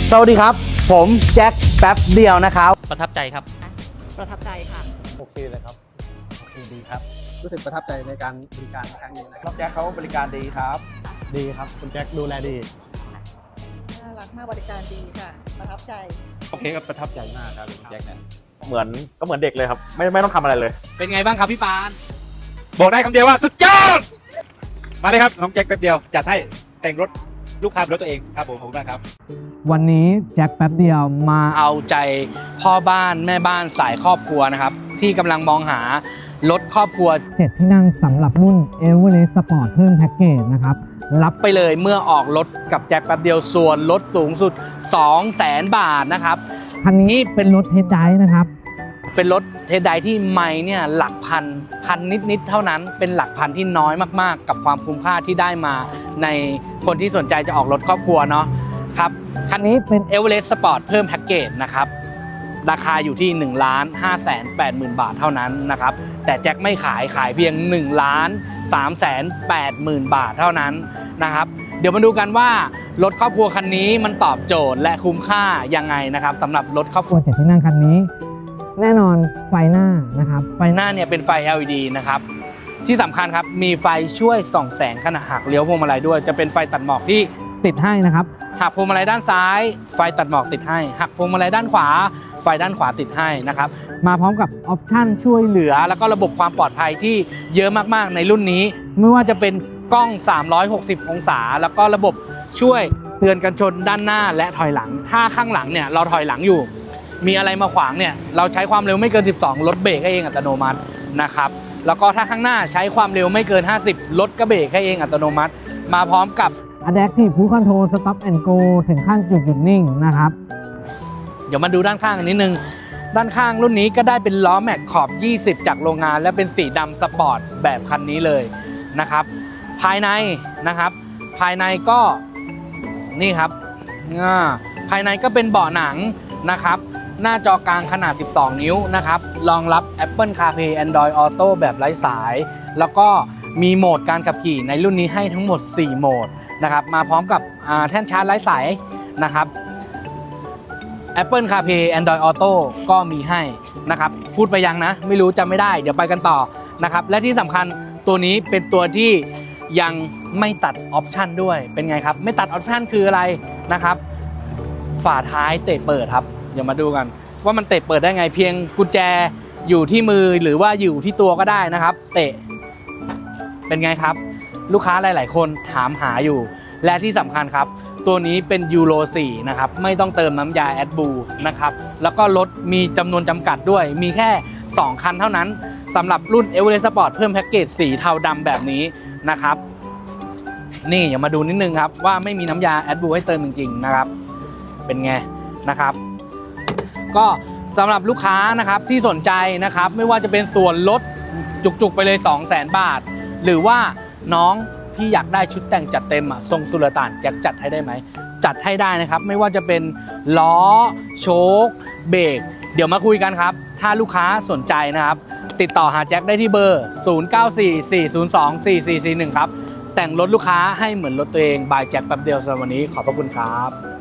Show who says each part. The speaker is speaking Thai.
Speaker 1: สวัสดีครับผมแจ็คแป๊บเดียวนะครับ
Speaker 2: ประทับใจครับ
Speaker 3: ประทับใจค่ะ
Speaker 4: โอเคเลยครับโอเคดีครับ
Speaker 5: รู้สึกประทับใจในการบริการครั้งนี้นะครับ
Speaker 1: แจ็คเขาบริการดีครับ
Speaker 4: ดีครับคุณแจ็คดูแลดี
Speaker 3: น่ารักมากบริการดีค่ะประทับใจ
Speaker 2: โอเคครับประทับใจมากครับคุณแจ็คเนี่ย
Speaker 4: เหมือนเด็กเลยครับไม่ต้องทำอะไรเลย
Speaker 2: เป็นไงบ้างครับพี่ปานบอกได้คำเดียวว่าสุดยอดมาเลยครับน้องแจ็คแป๊บเดียวจัดให้แต่งรถลูกค้ารถตัวเองครับผมครับ
Speaker 1: วันนี้แจ็คแป๊บเดียวมาเอาใจพ่อบ้านแม่บ้านสายครอบครัวนะครับที่กำลังมองหารถครอบครัว7ที่นั่งสำหรับรุ่น Everest Sport เพิ่มแพ็กเกจนะครับรับไปเลยเมื่อออกรถกับแจ็คแป๊บเดียวส่วนลดสูงสุด 200,000 บาทนะครับคันนี้เป็นรถเทสไดรฟ์นะครับเป็นรถเทสไดรฟ์ที่ไมล์เนี่ยหลักพันนิดเท่านั้นเป็นหลักพันที่น้อยมากๆกับความคุ้มค่าที่ได้มาในคนที่สนใจจะออกรถครอบครัวเนาะครับคันนี้เป็น Everest Sport เพิ่มแพ็กเกจนะครับราคาอยู่ที่ 1,580,000 บาทเท่านั้นนะครับแต่แจ็คไม่ขายเพียง 1,380,000 บาทเท่านั้นนะครับเดี๋ยวมาดูกันว่ารถครอบครัวคันนี้มันตอบโจทย์และคุ้มค่ายังไงนะครับสำหรับรถครอบครัว7ที่นั่งคันนี้แน่นอนไฟหน้านะครับไฟหน้าเนี่ยเป็นไฟ LED นะครับที่สำคัญครับมีไฟช่วยส่องแสงขณะหักเลี้ยวพวงมาลัยด้วยจะเป็นไฟตัดหมอกที่ติดให้นะครับหักพวงมาลัยด้านซ้ายไฟตัดหมอกติดให้หักพวงมาลัยด้านขวาไฟด้านขวาติดให้นะครับมาพร้อมกับออปชั่นช่วยเหลือแล้วก็ระบบความปลอดภัยที่เยอะมากๆในรุ่นนี้ไม่ว่าจะเป็นกล้อง360องศาแล้วก็ระบบช่วยเตือนกันชนด้านหน้าและถอยหลังถ้าข้างหลังเนี่ยเราถอยหลังอยู่มีอะไรมาขวางเนี่ยเราใช้ความเร็วไม่เกิน12รถเบรกให้เองอัตโนมัตินะครับแล้วก็ถ้าข้างหน้าใช้ความเร็วไม่เกิน50รถก็เบรกให้เองอัตโนมัติมาพร้อมกับ Adaptive Cruise Control Stop and Go ถึงขั้นจุดหยุดนิ่งนะครับเดี๋ยวมาดูด้านข้างนิดนึงด้านข้างรุ่นนี้ก็ได้เป็นล้อแม็กขอบ20จากโรงงานและเป็นสีดำสปอร์ตแบบคันนี้เลยนะครับภายในนะครับภายในก็นี่ครับภายในก็เป็นเบาะหนังนะครับหน้าจอกลางขนาด12นิ้วนะครับรองรับ Apple CarPlay Android Auto แบบไร้สายแล้วก็มีโหมดการขับขี่ในรุ่นนี้ให้ทั้งหมด4โหมดนะครับมาพร้อมกับแท่นชาร์จไร้สายนะครับ Apple CarPlay Android Auto ก็มีให้นะครับพูดไปยังนะไม่รู้จำไม่ได้เดี๋ยวไปกันต่อนะครับและที่สำคัญตัวนี้เป็นตัวที่ยังไม่ตัดออปชันด้วยเป็นไงครับไม่ตัดออปชันคืออะไรนะครับฝาท้ายเตะเปิดครับเดี๋ยวมาดูกันว่ามันเตะเปิดได้ไงเพียงกุญแจอยู่ที่มือหรือว่าอยู่ที่ตัวก็ได้นะครับเตะเป็นไงครับลูกค้าหลายๆคนถามหาอยู่และที่สำคัญครับตัวนี้เป็นยูโร4นะครับไม่ต้องเติมน้ำยาแอดบูนะครับแล้วก็รถมีจำนวนจำกัดด้วยมีแค่2คันเท่านั้นสำหรับรุ่น Everest Sport เพิ่มแพ็กเกจสีเทาดำแบบนี้นะครับนี่อย่ามาดูนิดนึงครับว่าไม่มีน้ำยาแอดบูให้เติมจริงๆนะครับเป็นไงนะครับก็สำหรับลูกค้านะครับที่สนใจนะครับไม่ว่าจะเป็นส่วนลดจุกๆไปเลย 200,000 บาทหรือว่าน้องพี่อยากได้ชุดแต่งจัดเต็มทรงสุลต่านแจ็คจัดให้ได้ไหมจัดให้ได้นะครับไม่ว่าจะเป็นล้อโชคเบรกเดี๋ยวมาคุยกันครับถ้าลูกค้าสนใจนะครับติดต่อหาแจ็คได้ที่เบอร์ 0944024441 ครับแต่งรถลูกค้าให้เหมือนรถตัวเองบายแจ็คแป๊บเดียวสำหรับวันนี้ขอบพระคุณครับ